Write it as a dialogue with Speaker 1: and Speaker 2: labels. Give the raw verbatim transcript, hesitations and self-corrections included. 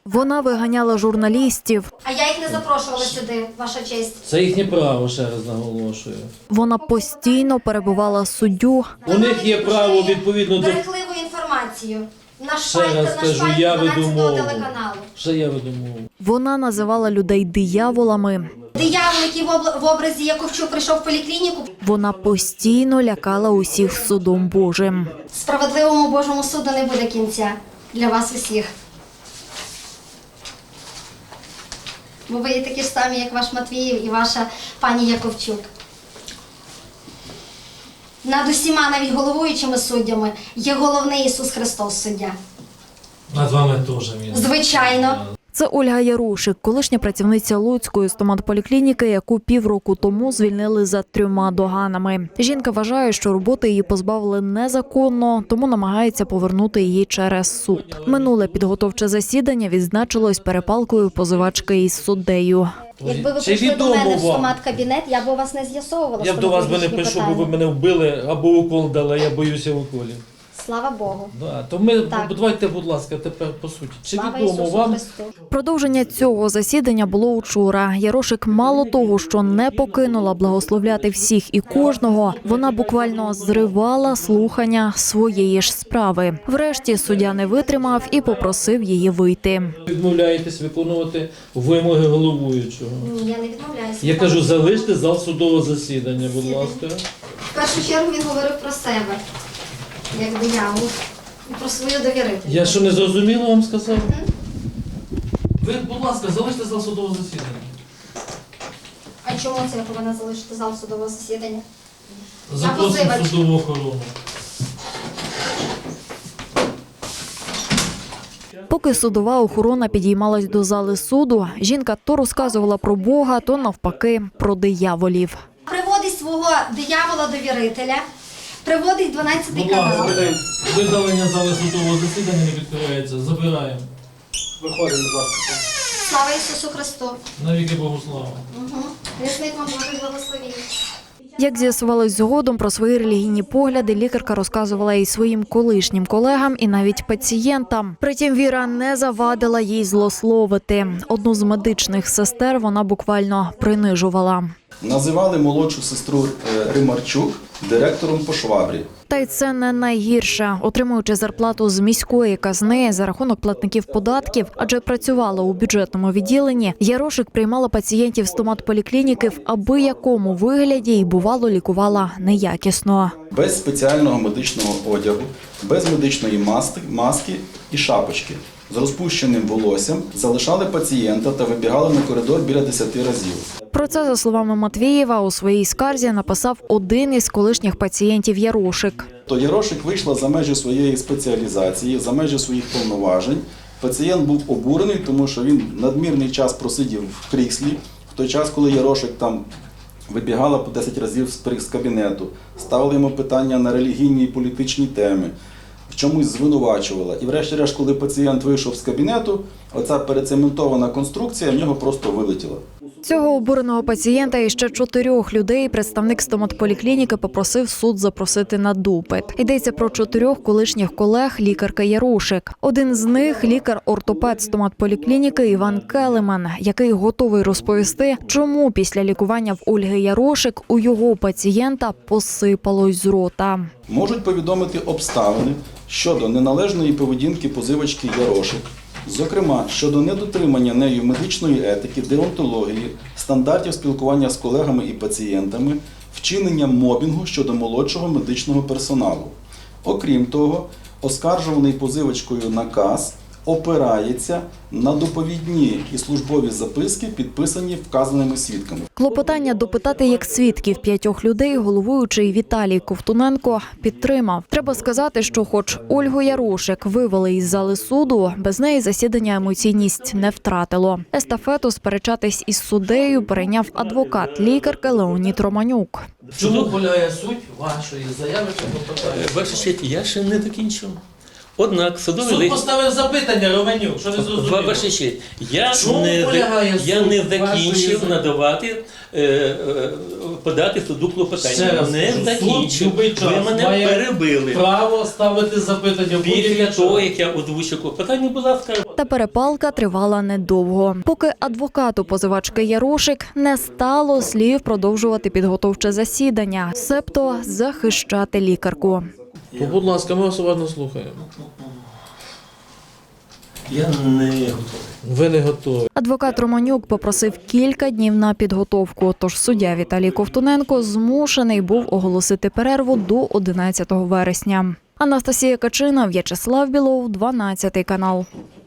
Speaker 1: Вона виганяла журналістів.
Speaker 2: А я їх не запрошувала сюди, ваша честь.
Speaker 3: Це їхнє право, ще раз наголошую.
Speaker 1: Вона постійно перебивала суддю.
Speaker 3: У них є право відповідно до...
Speaker 2: Брехливу інформацію. На
Speaker 3: Ще раз
Speaker 2: шпальті, на
Speaker 3: кажу,
Speaker 2: шпальті
Speaker 3: я веду
Speaker 2: дванадцятого
Speaker 3: мову.
Speaker 2: телеканалу.
Speaker 3: Ще я веду мову.
Speaker 1: Вона називала людей дияволами.
Speaker 2: Диявол, який в обла- в образі Яковчук прийшов в поліклініку.
Speaker 1: Вона постійно лякала усіх судом Божим.
Speaker 2: Справедливому Божому суду не буде кінця для вас усіх. Бо ви є такі ж самі, як ваш Матвіїв і ваша пані Яковчук. Над усіма, навіть головуючими суддями, є головний Ісус Христос суддя.
Speaker 3: Над вами теж. Він.
Speaker 2: Звичайно.
Speaker 1: Це Ольга Ярушик, колишня працівниця Луцької стоматполіклініки, яку півроку тому звільнили за трьома доганами. Жінка вважає, що роботи її позбавили незаконно, тому намагається повернути її через суд. Минуле підготовче засідання відзначилось перепалкою позивачки із суддею.
Speaker 2: Якби ви
Speaker 3: Чи
Speaker 2: прийшли до
Speaker 3: відомо
Speaker 2: мене в
Speaker 3: вам?
Speaker 2: стомат-кабінет, я б у вас не з'ясовувала
Speaker 3: Я б до вас би не
Speaker 2: стоматологічні
Speaker 3: прийшов, бо ви
Speaker 2: питання.
Speaker 3: мене вбили або укол дали, а я боюся уколів.
Speaker 2: Слава Богу.
Speaker 3: Да, то ми,
Speaker 2: Так.
Speaker 3: давайте, будь ласка, тепер по суті. Чи
Speaker 2: Слава
Speaker 3: відомо
Speaker 2: Ісусу
Speaker 3: вам,
Speaker 2: Христу.
Speaker 1: Продовження цього засідання було вчора. Ярошик мало того, що не покинула благословляти всіх і кожного, вона буквально зривала слухання своєї ж справи. Врешті суддя не витримав і попросив її вийти.
Speaker 3: відмовляєтесь виконувати вимоги головуючого?
Speaker 2: Ні, я не відмовляюся.
Speaker 3: Я кажу, залиште зал судового засідання, будь
Speaker 2: Засідання.
Speaker 3: ласка.
Speaker 2: В першу чергу він говорив про себе, як диявол, і про свою довірительність.
Speaker 3: Я що, не зрозуміло вам сказав? Ви, будь ласка, залиште зал судового засідання.
Speaker 2: А чому це я повинна залишити зал судового засідання?
Speaker 3: Запросимо
Speaker 2: позивач.
Speaker 3: судову охорону.
Speaker 1: Поки судова охорона підіймалась до зали суду, жінка то розказувала про Бога, то навпаки про дияволів.
Speaker 2: Приводить свого диявола-довірителя, приводить дванадцятий
Speaker 3: Будь
Speaker 2: канал.
Speaker 3: ласка, видалення зали судового засідання не відкривається. Забираємо.
Speaker 4: Виходимо, будь ласка.
Speaker 2: Слава Ісусу Христу.
Speaker 3: Навіки Богу слава.
Speaker 2: Угу. Рясник вам Божий благословіння.
Speaker 1: Як з'ясувалось згодом, про свої релігійні погляди лікарка розказувала і своїм колишнім колегам, і навіть пацієнтам. Притім, Віра не завадила їй злословити. Одну з медичних сестер вона буквально принижувала.
Speaker 4: Називали молодшу сестру е, Римарчук директором по швабрі.
Speaker 1: Та й це не найгірше. Отримуючи зарплату з міської казни за рахунок платників податків, адже працювала у бюджетному відділенні, Ярошик приймала пацієнтів стоматполіклініки в аби-якому вигляді і, бувало, лікувала неякісно.
Speaker 4: Без спеціального медичного одягу, без медичної маски, маски і шапочки. З розпущеним волоссям залишали пацієнта та вибігали на коридор біля десяти разів.
Speaker 1: Про це, за словами Матвієва, у своїй скарзі написав один із колишніх пацієнтів Ярошик.
Speaker 4: То Ярошик вийшла за межі своєї спеціалізації, за межі своїх повноважень. Пацієнт був обурений, тому що він надмірний час просидів в кріслі, в той час, коли Ярошик там вибігала по десять разів з кабінету, ставили йому питання на релігійні і політичні теми, в чомусь звинувачувала. І врешті-решт, коли пацієнт вийшов з кабінету, оця перецементована конструкція в нього просто вилетіла.
Speaker 1: Цього обуреного пацієнта і ще чотирьох людей представник стоматполіклініки попросив суд запросити на допит. Йдеться про чотирьох колишніх колег лікарки Ярошик. Один з них – лікар-ортопед стоматполіклініки Іван Келеман, який готовий розповісти, чому після лікування в Ольги Ярошик у його пацієнта посипалось з рота.
Speaker 4: Можуть повідомити обставини щодо неналежної поведінки позивачки Ярошик, зокрема, щодо недотримання нею медичної етики, деонтології, стандартів спілкування з колегами і пацієнтами, вчинення мобінгу щодо молодшого медичного персоналу. Окрім того, оскаржуваний позивачкою наказ опирається на доповідні і службові записки, підписані вказаними свідками.
Speaker 1: Клопотання допитати як свідків п'ятьох людей головуючий Віталій Ковтуненко підтримав. Треба сказати, що хоч Ольгу Ярошик вивели із зали суду, без неї засідання емоційність не втратило. Естафету сперечатись із суддею перейняв адвокат лікарки Леонід Романюк.
Speaker 3: В чому полягає суть вашої заяви чи клопотання?
Speaker 5: Ваша честь, я ще не докінчив. Однак судовий
Speaker 3: Суд
Speaker 5: лист...
Speaker 3: поставив запитання, Романюк, що не
Speaker 5: Ва-
Speaker 3: зрозуміло.
Speaker 5: Ваша честь, я
Speaker 3: Чому
Speaker 5: не,
Speaker 3: полягає
Speaker 5: я
Speaker 3: суд
Speaker 5: не
Speaker 3: вашої
Speaker 5: закінчив
Speaker 3: заяви?
Speaker 5: надавати, е, е, подати суду
Speaker 3: Ще
Speaker 5: клопотання.
Speaker 3: раз
Speaker 5: Не
Speaker 3: кажу, суд
Speaker 5: закінчив.
Speaker 3: любий
Speaker 5: Ви
Speaker 3: час
Speaker 5: мене
Speaker 3: має
Speaker 5: перебили.
Speaker 3: право ставити запитання в
Speaker 5: Після
Speaker 3: будь-який
Speaker 5: того,
Speaker 3: час.
Speaker 5: як я озвучив клопотання, будь ласка,
Speaker 1: Та перепалка тривала недовго. Поки адвокату позивачки Ярошик не стало слів продовжувати підготовче засідання, себто захищати лікарку.
Speaker 3: То, будь ласка, ми вас уважно слухаємо.
Speaker 5: я не готовий.
Speaker 3: Ви не готові.
Speaker 1: Адвокат Романюк попросив кілька днів на підготовку, тож суддя Віталій Ковтуненко змушений був оголосити перерву до одинадцятого вересня. Анастасія Качина, В'ячеслав Білов, дванадцятий канал.